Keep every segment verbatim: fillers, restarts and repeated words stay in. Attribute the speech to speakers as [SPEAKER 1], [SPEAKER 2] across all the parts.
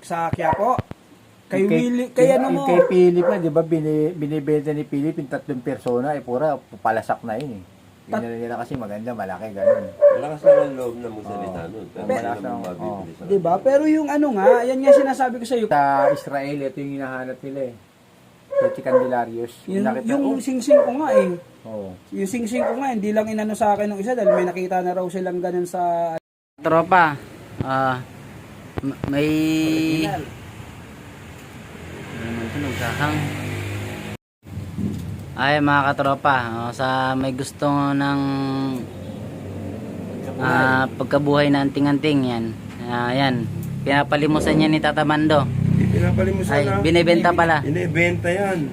[SPEAKER 1] sa Quiapo. Kay
[SPEAKER 2] Yung kay-
[SPEAKER 1] Willie, kay
[SPEAKER 2] yung-
[SPEAKER 1] ano mo.
[SPEAKER 2] yung Kay Philip na, di ba, bini, binibenta ni Philip yung tatlong persona, eh, pura, palasak na yun eh. Yung
[SPEAKER 1] Tat-
[SPEAKER 2] nila kasi maganda, malaki, ganun.
[SPEAKER 3] Malakas naman ang loob na magsalita
[SPEAKER 2] Oo.
[SPEAKER 3] nun. Pero
[SPEAKER 2] Malakas
[SPEAKER 3] malakas naman
[SPEAKER 2] ang-
[SPEAKER 3] mabibili sa
[SPEAKER 1] Diba? Pero yung ano nga, yan nga sinasabi ko sa iyo.
[SPEAKER 2] Sa Israel, ito yung hinahanap nila eh. Si Candelarios.
[SPEAKER 1] Yung,
[SPEAKER 2] Nakita-
[SPEAKER 1] yung
[SPEAKER 2] oh,
[SPEAKER 1] sing-sing ko nga eh.
[SPEAKER 2] oh.
[SPEAKER 1] Yung sing-sing ko nga, hindi lang inano sa akin ng isa dahil may nakita na raw silang ganun sa...
[SPEAKER 4] Tropa, ah, m- may... Ano tunog kakang? Ay mga katropa, oh, sa may gusto ng ah, pagkabuhay na anting-anting yan. Ah, yan, pinapalimusan niya ni Tata Mando.
[SPEAKER 3] Hindi pinapalimusan
[SPEAKER 4] Ay,
[SPEAKER 3] na.
[SPEAKER 4] binibenta pala.
[SPEAKER 3] Binibenta yan.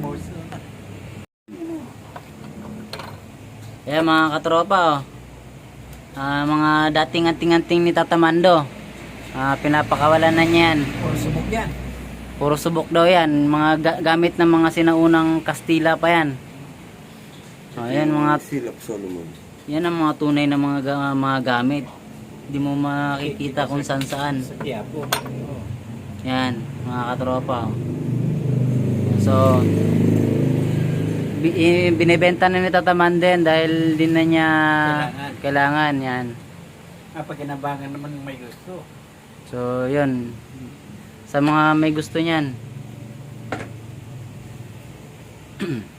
[SPEAKER 4] Kaya mga katropa, oh, ah, mga dating anting-anting ni Tata Mando, ah, pinapakawalan na niya yan.
[SPEAKER 1] Puro subok yan.
[SPEAKER 4] Puro subok daw yan. Mga ga- gamit ng mga sinaunang Kastila pa yan. O, yan mga,
[SPEAKER 3] Silap Solomon.
[SPEAKER 4] yan ang mga tunay na mga, ga- mga gamit. Hindi mo makikita kung saan saan.
[SPEAKER 1] Sa Quiapo.
[SPEAKER 4] Yan, mga katropa. So, bi- i- binibenta na ni Tata Manden dahil din na niya
[SPEAKER 1] Kailangan.
[SPEAKER 4] kailangan yan.
[SPEAKER 1] Ah, pagkinabangan naman may gusto.
[SPEAKER 4] So, yun. Sa mga may gusto niyan.